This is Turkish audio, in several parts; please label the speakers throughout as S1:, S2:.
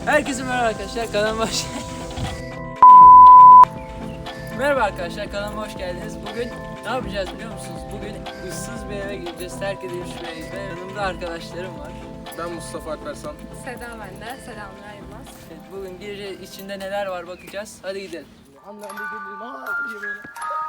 S1: Herkese merhaba arkadaşlar, kanalıma hoş Merhaba arkadaşlar, kanalıma hoş geldiniz. Bugün ne yapacağız biliyor musunuz? Bugün ıssız bir eve gideceğiz, terk edilmiş bir eve. Yanımda arkadaşlarım var.
S2: Ben Mustafa Alpersan.
S3: Seda bende. Selamlar Yılmaz.
S1: Evet, bugün gireceğiz, içinde neler var bakacağız. Hadi gidelim.
S2: Annem de geliyor. Diye böyle.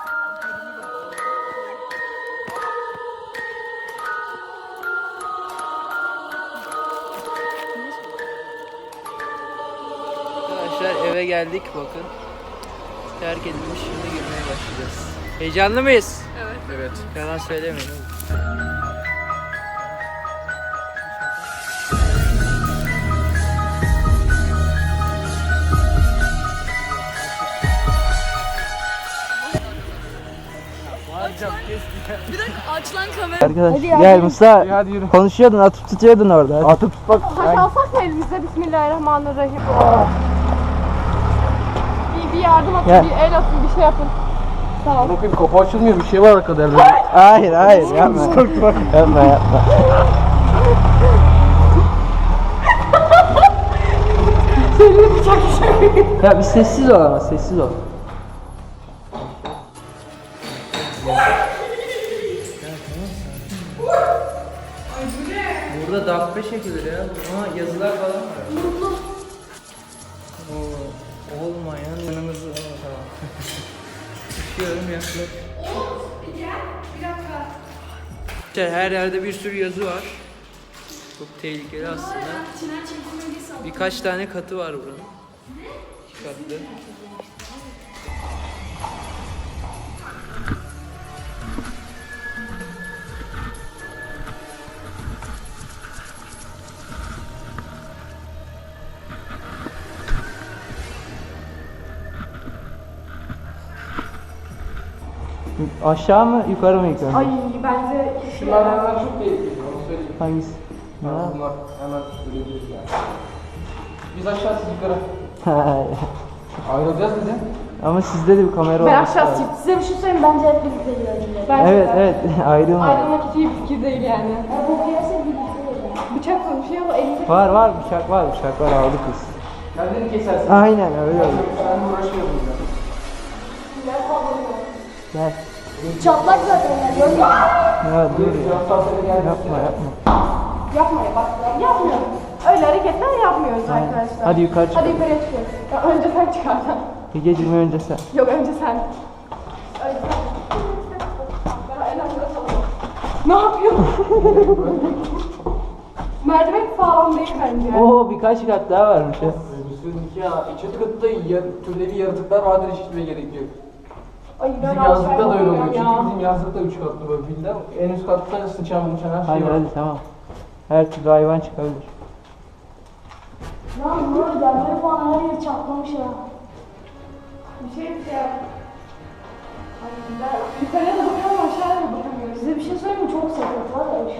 S1: Arkadaşlar eve geldik, bakın. Terk edilmiş, şimdi girmeye başlayacağız. Heyecanlı mıyız?
S2: Evet.
S1: Yalan söylemeyin.
S3: Bir dakika aç lan kamera.
S4: Arkadaş gel Musa.
S2: Hadi yürü.
S4: Konuşuyordun, atıp tutuyordun orada. Atıp tutmak.
S3: Taş alsak mı elimizde? Bismillahirrahmanirrahim. Bir yardım atın,
S4: Gel.
S3: bir el atın, bir şey yapın. Sağ ol.
S2: Bakayım kapı açılmıyor, bir şey var arkada elde.
S4: Hayır yapma. yapma. Ya bir sessiz ol ama, sessiz ol.
S1: Burada dakika çekilir ya. Ama yazılar falan var. Olmayan yanımızda. Tamam. Üşüyorum yaklaş. Her yerde bir sürü yazı var. Çok tehlikeli aslında. Birkaç tane katı var buranın. 2 katlı.
S4: Aşağı mı yukarı mı ilk önce?
S3: Ay bence
S2: Şunlardan çok tehlikeli, onu söyleyeyim.
S4: Hangisi?
S2: Bunlar hemen görebiliriz yani. Biz aşağı, siz yukarı. Ayrılacağız bize.
S4: Ama sizde de bir kamera
S3: ben
S4: olması
S3: aşağı
S4: lazım.
S3: çıktım. Size bir şey söyleyeyim, bence hep birlikte gidelim. Bence
S4: Evet ayrılma.
S3: Ayrılmak hiç iyi bir fikir değil yani. Bu piyasa bıçak var, bir şey ama elimde.
S4: Var bıçak var aldık biz.
S2: Kendini kesersin.
S4: Aynen öyle oldu.
S2: Ben uğraşıyorum ya.
S4: Gel.
S3: Çatlak zaten yani, görmüyor musun?
S4: Ya dur ya. Yapma.
S3: Yapma ya, bak yapmıyorum. Öyle hareketler yapmıyoruz arkadaşlar.
S4: Hadi yukarı çıkalım.
S3: Hadi yukarıya çıkıyoruz. Ya önce sen çıkarsan.
S4: Gecikme önce sen.
S3: Yok önce sen. Önce sen. Ben en arkada salamam. Ne yapıyorsun? Merdiven sağlam değil bence.
S4: Oo birkaç kat daha varmış ya.
S2: Üstündeki ya, çatı katta türleri yaratıklar vardır, hiç gitmeye gerek yok.
S3: Ay ben
S2: Bizim yazlıkta da öyle oluyor.
S3: ya.
S2: Çünkü bizim yazlıkta 3 katlı böyle villa. En üst katta sıçan her şey var.
S4: Hadi tamam. Her türlü hayvan çıkabilir.
S3: Lan bu yerleri falan her yeri çatlamış ya. Bir şey ya. Ay ben yukarıya da bakıyorum, aşağıya da bakamıyorum. Size bir şey söyleyeyim mi? Çok sakat var ya.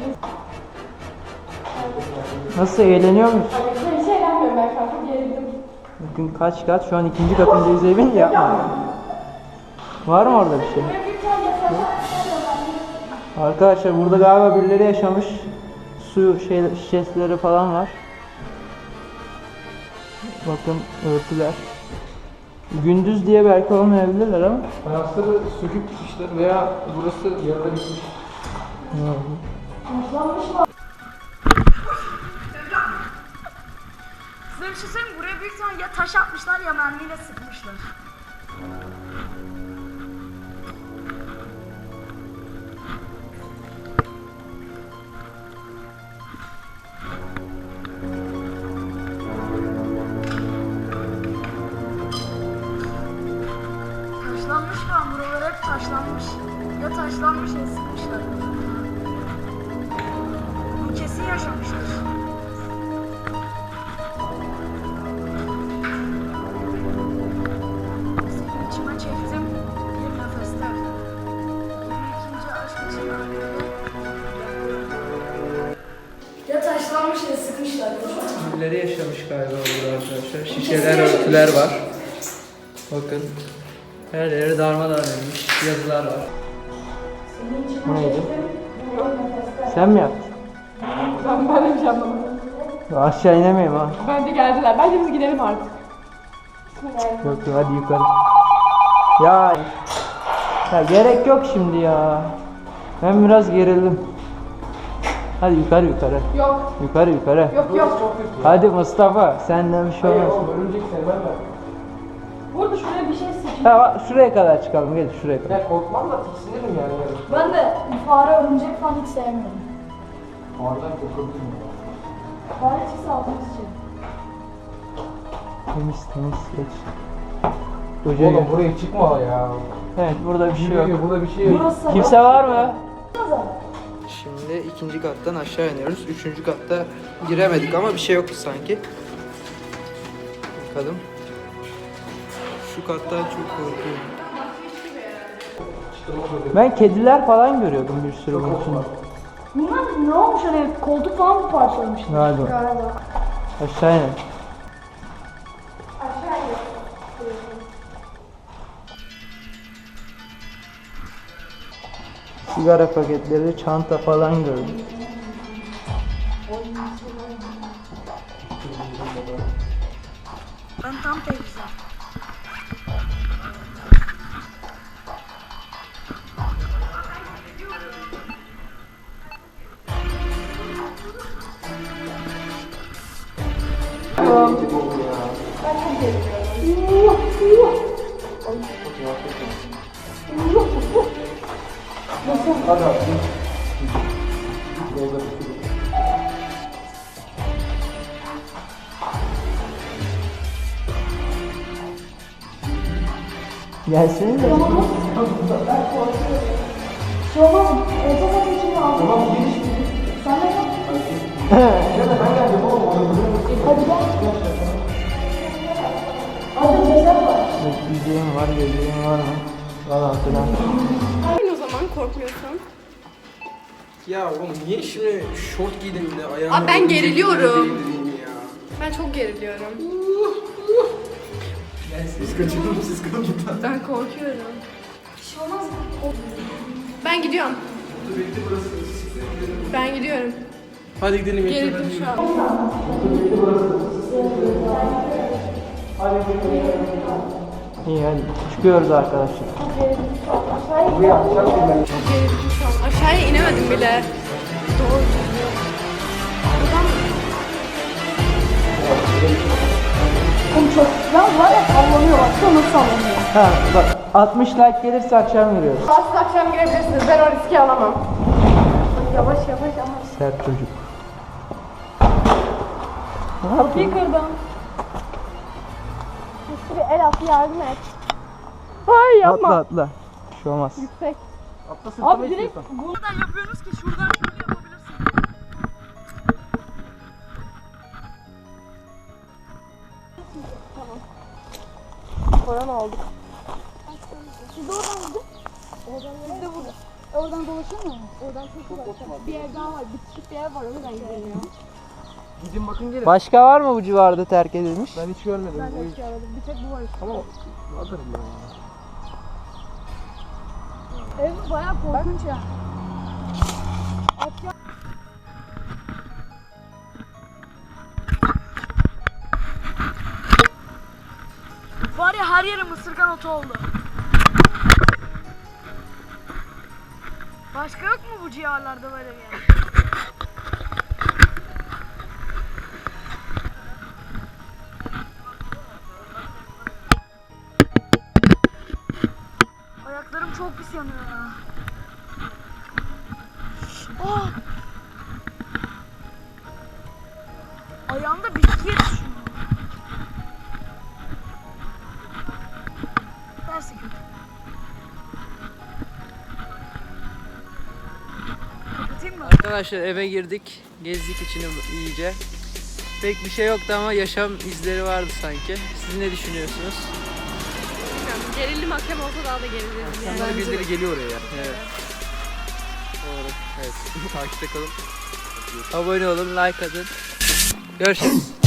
S4: Nasıl, eğleniyor muyuz?
S3: Hiç eğlenmiyorum ben kanka, gerildim.
S4: Bugün kaç kat? Şu an 2. katındayız evin, yapma. Var mı orada bir şey? Arkadaşlar burada galiba birileri yaşamış. Su şişeleri falan var. Bakın örtüler. Gündüz diye belki olmayabilirler ama.
S2: Fayansları söküp gitmişler veya burası yarıda bitmiş.
S5: Size bir şey söyleyeyim mi? Buraya büyük ihtimalle ya taş atmışlar ya mermiyle sıkmışlar. Taşlanmış kan, buralar hep taşlanmış. Ya taşlanmış ya sıkmışlar. Kesin yaşamışlar. İçime çektim bir nefeste. 22. aşk için ya taşlanmış ya sıkmışlar.
S1: Birileri yaşamış galiba burada arkadaşlar. Şişeler, örtüler var. Bakın. Her yeri darmadağın edilmiş. Yazılar var.
S4: Bu neydi? Sen mi yaptın?
S3: Ben böyle bir şey yapmadım.
S4: Aşağı inemeyim ha.
S3: Bence geldiler. Bence biz gidelim artık.
S4: Yok yok hadi yukarı. Ya gerek yok şimdi ya. Ben biraz gerildim. Hadi yukarı yukarı.
S3: Yok.
S4: Yukarı yukarı.
S3: Yok.
S4: Hadi Mustafa senden bir şey olmaz.
S2: Örümcek sevmem ben.
S3: Burada şuraya bir şey seçeyim.
S4: Ha, şuraya kadar çıkalım gel şuraya kadar.
S2: Ya korkmam da tiksinirim yani.
S3: Ben de fare, örümcek falan hiç sevmiyorum.
S2: Oradan korkabilirim ya.
S3: Fare çıksa altını sıçayım.
S4: Temiz geç. Hoca
S2: Oğlum
S4: gel.
S2: buraya çıkma ya.
S4: Evet burada bir şey yok.
S2: Burada bir şey yok.
S3: Burası
S4: Kimse var mı?
S1: Şimdi ikinci kattan aşağı iniyoruz. Üçüncü katta giremedik ama bir şey yoktu sanki. Bakalım. Şu kattan çok korkuyorum.
S4: Ben kediler falan görüyordum bir sürü bunun içinde.
S3: Bunlar ne olmuş hani koltuk falan mı parçalamış?
S4: Galiba. Aşağı inelim. Sigara paketleri, çanta falan gördüm.
S5: Ben tam temizim.
S2: Hadi abi.
S4: Gelsene de.
S3: Şey olmaz mı? Orta sat için lazım.
S2: Tamam giriş.
S3: Sen de yap.
S2: Ben geldim oğlum.
S3: Hadi gel. Hadi ceset var.
S4: Yüzeyim var, gözlüğüm var mı? Falan filan.
S5: O zaman korkmuyorsan.
S2: Ya oğlum niye şimdi şort giydim de ayağımı...
S5: Abi ben geriliyorum.
S2: değdireyim ya.
S5: Ben çok geriliyorum.
S2: Siz kaçırdım siz kalın.
S5: Ben korkuyorum.
S3: Bir şey olmaz mı?
S5: Ben gidiyorum. Ben gidiyorum.
S2: Hadi gidelim.
S5: Gerildim şu an.
S4: İyi hadi çıkıyoruz arkadaşlar.
S5: Çok gerildim şu an. Aşağıya inemedim bile. Doğru. Buradan
S3: Oğlum çok. Ya var ya sallanıyor bak. Şu nasıl sallanıyor?
S4: Ha bak 60 like gelirse akşam giriyoruz.
S5: Siz akşam girebilirsiniz. Ben o riski alamam. Yavaş ama.
S4: Sert çocuk.
S3: Kapıyı kırdım.
S5: Bir el atı yardım et. Hayır
S4: Atla atla. Bir şey olmaz.
S3: Abi direkt bu.
S5: Neden yapıyorsunuz ki? Şuradan şöyle yapabilirsin. Korona olduk.
S3: Siz de oradan gidin. Siz de burada. Oradan dolaşıyor mu? Oradan çok uzak. Bir yer daha var. Bitişik bir yer var. Oradan gidelim ya.
S2: Gidin bakın gelin.
S4: Başka var mı bu civarda terk edilmiş?
S2: Ben hiç görmedim.
S3: Ben de hiç görmedim. Bir tek bu var işte.
S2: Ama vardır ya.
S3: Ev bayağı korkunç ya.
S5: Var ya her yerim ısırgan otu oldu. Başka yok mu bu civarlarda böyle bir yer? Ayaklarım çok pis yanıyor ya. Oh! Ayağımda bitki yetişiyor. Derse kötü. Kapatayım mı?
S1: Arkadaşlar eve girdik. Gezdik içini iyice. Pek bir şey yoktu ama yaşam izleri vardı sanki. Siz ne düşünüyorsunuz?
S5: Gerildim, akşam olsa daha da gerildim.
S1: İnsanların birileri geliyor oraya. Evet. Doğru. Evet. Takipte kalın. Abone olun, like atın. Görüşürüz.